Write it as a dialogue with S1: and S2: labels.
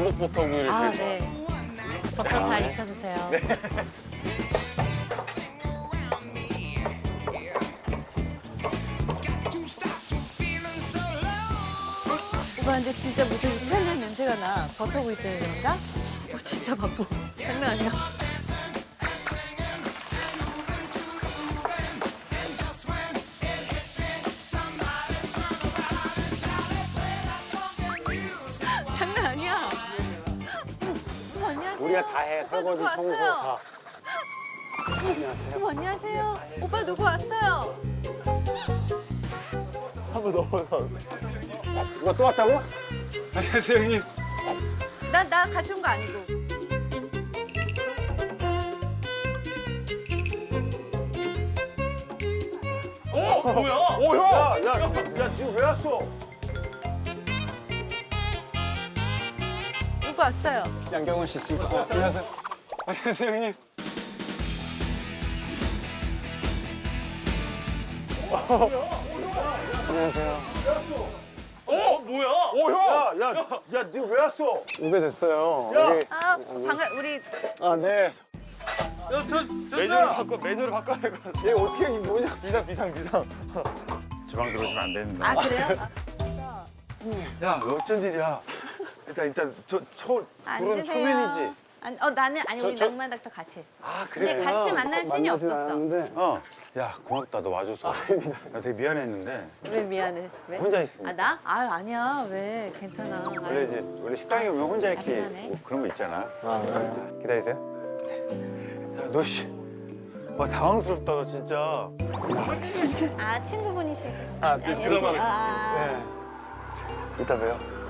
S1: 전복 버터구이를
S2: 아,
S1: 제일
S2: 네. 버터 잘 익혀주세요.
S1: 네.
S2: 오빠 근데 진짜 무슨 이탈리안 냄새가 나. 버터구이 때문에 그런가? 진짜 바빠. 장난 아니야. 장난 아니야. 어머, 안녕하세요.
S3: 우리가 다 해.
S2: 오빠
S3: 설거지,
S2: 누구
S3: 청소
S2: 왔어요?
S3: 다. 안녕하세요.
S2: 어머, 안녕하세요. 오빠 누구 왔어요?
S3: 한번 넘어서. 누가 또 왔다고?
S1: 안녕하세요, 형님.
S2: 나 같이 온 거 아니고.
S1: 뭐야?
S3: 오, 형! 야, 지금 왜 왔어?
S2: 누구 왔어요?
S1: 양경원 씨 있습니다. 안녕하세요. 안녕하세요, 형님.
S3: 안녕하세요.
S1: 뭐야?
S3: 오, 형! 야, 지금 왜 왔어? 오래됐어요.
S1: 야!
S3: 여기.
S2: 아, 우리
S3: 아, 네.
S1: 매저를 바꿔야 될 것 같아.
S3: 얘 어떻게, 이게 뭐냐?
S1: 비상.
S4: 주방 들어오시면 안 됩니다.
S2: 아 그래요?
S3: 야, 어쩐 일이야? 일단, 둘은
S2: 앉으세요.
S3: 초면이지?
S2: 나는 아니 우리 낭만 닥터 같이 했어.
S3: 아,
S2: 근데 같이 만난 씬이 없었어.
S4: 야, 고맙다. 너 와줘서. 나 되게 미안했는데.
S2: 왜 미안해? 왜?
S4: 혼자 있으니까.
S2: 아 나? 아유 아니야. 왜? 괜찮아.
S4: 원래 식당에 오면 혼자 이렇게
S2: 미안해.
S4: 뭐 그런 거 있잖아.
S3: 아, 네.
S4: 기다리세요.
S3: 야, 너 씨. 와, 당황스럽다, 너 진짜.
S2: 아 친구분이시고.
S3: 아,
S1: 드라마를
S2: 아,
S3: 네. 이따 봬요.